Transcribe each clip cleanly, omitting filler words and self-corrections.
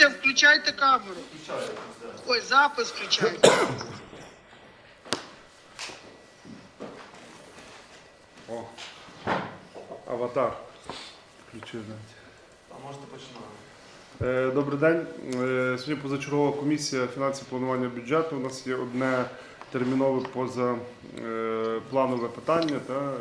Включайте камеру. Ой, запис включайте. О, аватар. Включив навіть. А можете починати. Добрий день. Сьогодні позачергова комісія фінансів планування бюджету. У нас є одне термінове позапланове питання.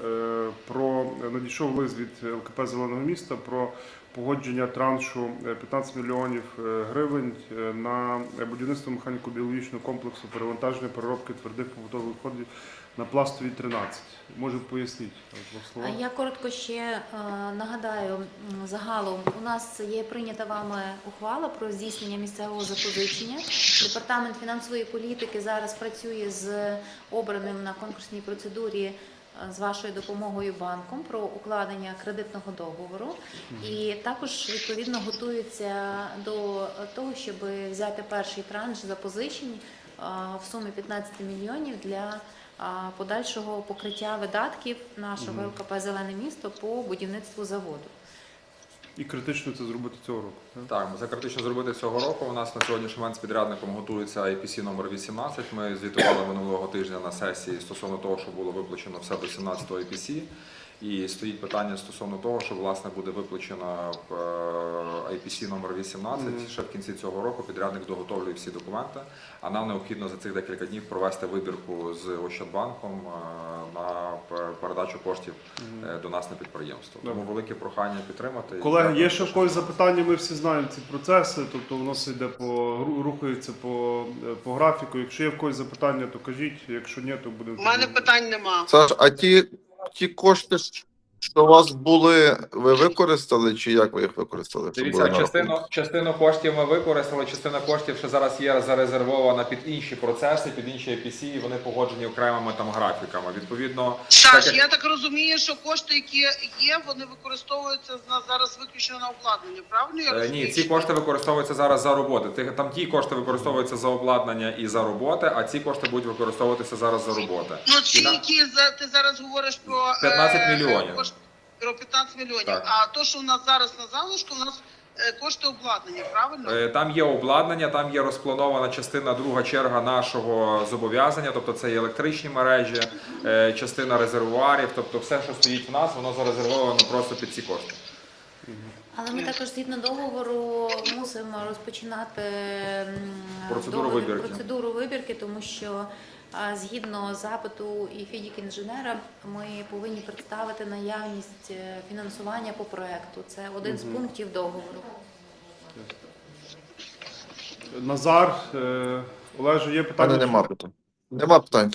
Надійшов лист від ЛКП «Зеленого міста» про погодження траншу 15 мільйонів гривень на будівництво механіко-біологічного комплексу перевантаження переробки твердих побутових відходів на Пластовій 13. Може поясніть? Я коротко ще нагадаю, загалом у нас є прийнята вами ухвала про здійснення місцевого запозичення. Департамент фінансової політики зараз працює з обраним на конкурсній процедурі з вашою допомогою банком про укладення кредитного договору. І також, відповідно, готується до того, щоб взяти перший транш запозичень в сумі 15 мільйонів для подальшого покриття видатків нашого ЛКП «Зелене місто» по будівництву заводу. І критично це зробити цього року. Так, це критично зробити цього року. У нас на сьогоднішній момент з підрядником готується IPC номер 18. Ми звітували минулого тижня на сесії стосовно того, що було виплачено все до 17-го IPC. І стоїть питання стосовно того, що власне буде виплачено IPC номер 18 ще в кінці цього року. Підрядник доготовлює всі документи, а нам необхідно за цих декілька днів провести вибірку з Ощадбанком на передачу коштів до нас на підприємство. Тому велике прохання підтримати. Колеги, є ще в когось запитання, ми всі знаємо ці процеси, тобто воно все йде рухається по графіку. Якщо є в когось запитання, то кажіть, якщо ні, то будемо... У мене питань нема. Саш, а ті кошти, що у вас були, ви використали, чи як ви їх використали? Дивіться, частину коштів ми використали, частина коштів ще зараз є зарезервована під інші процеси, під інші IPC, і вони погоджені окремими там графіками. Відповідно, Саш, я так розумію, що кошти, які є, вони використовуються зараз виключно на обладнання, правильно я розумію? ні, ці кошти використовуються зараз за роботи. Там ті кошти використовуються за обладнання і за роботи, а ці кошти будуть використовуватися зараз за роботи. Ну, ці, які ти зараз говориш про 15 мільйонів. Про 15 мільйонів. Так. А то, що у нас зараз на залишку, у нас кошти обладнання, правильно? Там є обладнання, там є розпланована частина, друга черга нашого зобов'язання, тобто це і електричні мережі, частина резервуарів, тобто все, що стоїть в нас, воно зарезервовано просто під ці кошти. Але ми також згідно договору мусимо розпочинати процедуру вибірки, тому що згідно запиту і фідік-інженера ми повинні представити наявність фінансування по проекту. Це один з пунктів договору. Назар, Олеже, є питання? Нема питань. Нема питань.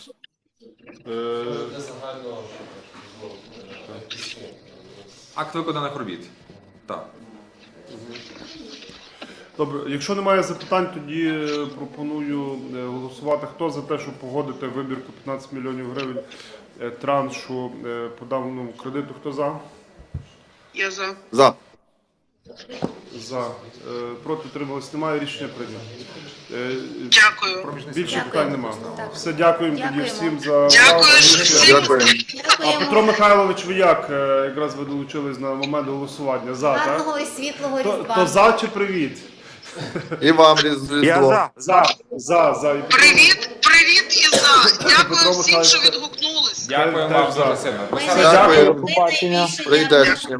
Акт виконаних робіт. Так. Добре, якщо немає запитань, тоді пропоную голосувати. Хто за те, щоб погодити вибірку 15 мільйонів гривень траншу по даному кредиту? Хто за? Я за. За. За. Проти утримались немає, рішення прийнято. Дякую. Більше Дякую. питань немає. Так. Все, дякуємо тоді Дякуємо. всім за Дякую увагу. всім. Дякую. А Петро Михайлович, ви як? Якраз ви долучились на момент голосування. За, так? Гарного і світлого Різдва. То за чи привіт? І вам різдво. За. Привіт і за. Дякую Петро всім, що Михайлович. відгукнулись. Дякую Теж вам за. дуже сильно. Ми Дякую. найбільше Прийдешнє.